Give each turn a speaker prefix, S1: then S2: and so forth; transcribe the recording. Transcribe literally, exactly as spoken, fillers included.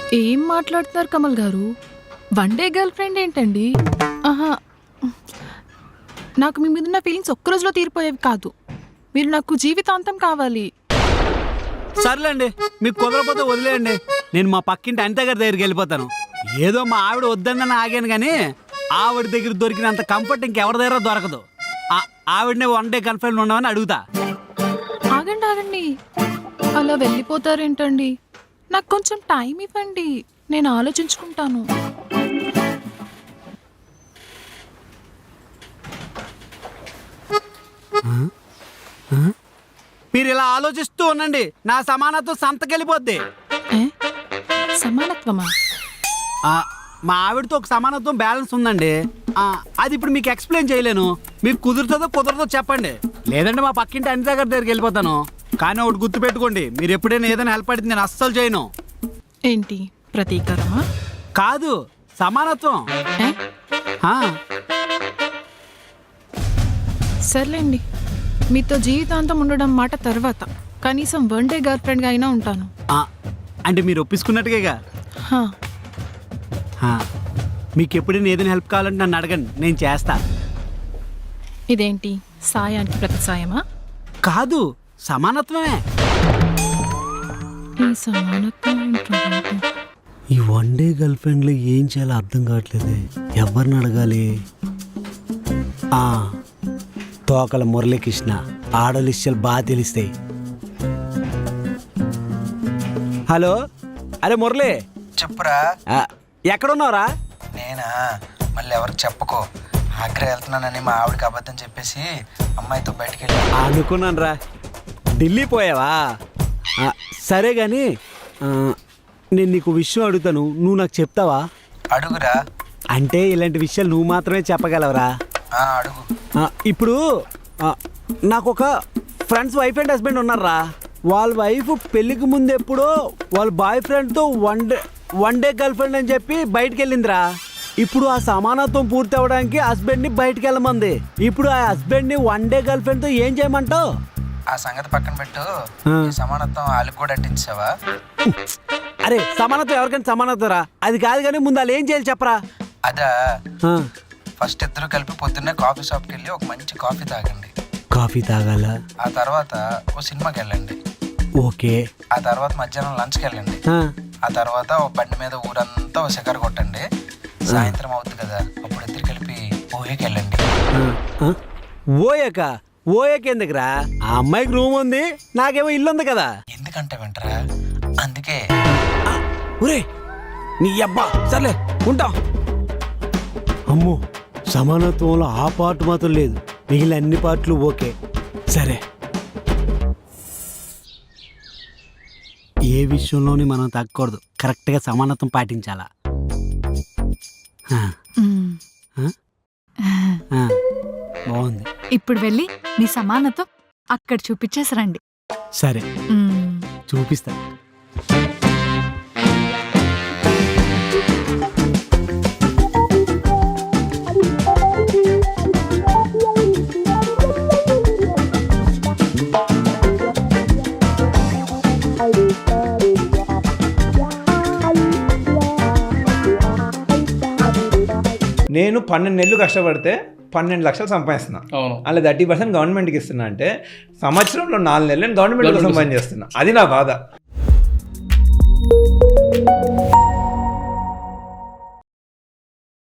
S1: ఏం మాట్లాడుతున్నారు కమల్ గారు? వన్ డే గర్ల్ ఫ్రెండ్ ఏంటండి? ఆహా, నాకు మీ మీద ఉన్న ఫీలింగ్స్ ఒక్క రోజులో తీరిపోయేవి కాదు. మీరు నాకు జీవితాంతం కావాలి.
S2: సర్లేండి, మీకు కుదరపోతే వదిలేయండి. నేను మా పక్కింటి అనిత గారి దగ్గరికి వెళ్ళిపోతాను. ఏదో మా ఆవిడ వద్దని ఆగాను, కానీ ఆవిడ దగ్గర దొరికినంత కంఫర్ట్ ఇంకెవరి దగ్గర దొరకదు. ఆవిడనే వన్ డే గర్ల్ ఫ్రెండ్ ఉండమని అడుగుతా.
S1: ఆగండి ఆగండి, అలా వెళ్ళిపోతారేంటండి? నాకు కొంచెం టైం ఇవ్వండి, నేను ఆలోచించుకుంటాను.
S2: మీరు ఇలా ఆలోచిస్తూ ఉండండి, నా సమానత్వం సంతకెళ్ళిపోద్ది.
S1: సమానత్వమా?
S2: మా ఆవిడతో ఒక సమానత్వం బ్యాలెన్స్ ఉందండి. అది ఇప్పుడు మీకు ఎక్స్ప్లెయిన్ చేయలేను. మీకు కుదురుతుందో కుదరదో చెప్పండి, లేదంటే మా పక్కింటి అనిత గారి దగ్గరికి వెళ్ళిపోతాను. కానీ ఒకటి గుర్తు పెట్టుకోండి, మీరు ఎప్పుడైనా ఏదైనా హెల్ప్ అడిగితే నేను అస్సలు చేయను.
S1: ఏంటి, ప్రతీకారమా?
S2: కాదు, సమానత్వం.
S1: సర్లేండి, మీతో జీవితాంతం ఉండడం మాట తర్వాత కనీసం వన్ డే గర్ల్ ఫ్రెండ్గా అయినా ఉంటాను.
S2: అంటే మీరు ఒప్పించుకున్నట్టుగా. మీకు ఎప్పుడైనా ఏదైనా హెల్ప్ కావాలంటే నన్ను అడగండి, నేను చేస్తా.
S1: ఇదేంటి, సాయానికి ప్రతి సాయమా?
S2: కాదు, సమానత్వమే.
S1: ఈ సమానత్వం
S2: ఈ వన్ డే గర్ల్ ఫ్రెండ్లో ఏం చేయాలో అర్థం కావట్లేదు. ఎవరిని అడగాలి? తోకల మురళీకృష్ణ, ఆడలిష్యాలు బాగా తెలుస్తాయి. హలో, అరే మురళి,
S3: చెప్పురా.
S2: ఎక్కడున్నావురా?
S3: నేనా? మళ్ళీ ఎవరికి చెప్పుకో. ఆగ్రా వెళ్తున్నానని మా ఆవిడకి అబద్ధం చెప్పేసి అమ్మాయితో బయటికి వెళ్ళి
S2: అనుకున్నాను రా. ఢిల్లీ పోయావా? సరే కానీ నేను నీకు విషయం అడుగుతాను, నువ్వు నాకు చెప్తావా?
S3: అడుగురా.
S2: అంటే ఇలాంటి విషయాలు నువ్వు మాత్రమే చెప్పగలవరా?
S3: అడుగు.
S2: ఇప్పుడు నాకు ఒక ఫ్రెండ్స్ వైఫ్ అండ్ హస్బెండ్ ఉన్నారా. వాళ్ళ వైఫ్ పెళ్ళికి ముందు ఎప్పుడో వాళ్ళ బాయ్ ఫ్రెండ్తో one day one day girlfriend అని చెప్పి బయటికి వెళ్ళిందిరా. ఇప్పుడు ఆ సమానత్వం పూర్తి అవ్వడానికి హస్బెండ్ని బయటికి వెళ్ళమంది. ఇప్పుడు ఆ హస్బెండ్ని వన్ డే గర్ల్ ఫ్రెండ్తో ఏం చేయమంటావు?
S3: ఆ సంగతి పక్కన పెట్టు. సమానత్వం వాళ్ళకి కూడా అట్టించావా?
S2: అరే సమానత్వం ఎవరికైనా సమానత్వం రా, అది కాదు. కానీ ముందు వాళ్ళు ఏం చేయాలి చెప్పరా?
S3: అదా, ఫస్ట్ ఇద్దరు కలిపి పొద్దున్నే కాఫీ షాప్కి వెళ్ళి ఒక మంచి కాఫీ తాగండి.
S2: కాఫీ తాగాల?
S3: ఆ తర్వాత ఓ సినిమాకి వెళ్ళండి.
S2: ఓకే.
S3: ఆ తర్వాత మధ్యాహ్నం లంచ్కి వెళ్ళండి. ఆ తర్వాత ఓ బండి మీద ఊరంతా ఓ షికారు కొట్టండి. సాయంత్రం అవుతుంది కదా, అప్పుడు ఇద్దరు కలిపి ఓయేకి వెళ్ళండి.
S2: ఓయక? ఓయక ఎందుకురా? ఆ అమ్మాయికి రూమ్ ఉంది, నాకేమో ఇల్లు ఉంది కదా.
S3: ఎందుకంటే వింటరా, అందుకే.
S2: ఒరే నీ అబ్బా, సర్లే ఉంటా. అమ్మో, సమానత్వంలో ఆ పార్ట్ మాత్రం లేదు, మిగిలిన అన్ని పార్ట్లు ఓకే. సరే, ఏ విషయంలోని మనం తగ్గకూడదు, కరెక్ట్గా సమానత్వం పాటించాలా. బాగుంది.
S4: ఇప్పుడు వెళ్ళి మీ సమానత్వం అక్కడ చూపించేసరండి.
S2: సరే, చూపిస్తా.
S5: నేను పన్నెండు నెలలు కష్టపడితే పన్నెండు లక్షలు సంపాదిస్తున్నా. అలా థర్టీ పర్సెంట్ గవర్నమెంట్కి ఇస్తున్నా అంటే సంవత్సరంలో నాలుగు నెలలు నేను గవర్నమెంట్ సంపాదించేస్తున్నా. అది నా బాధ.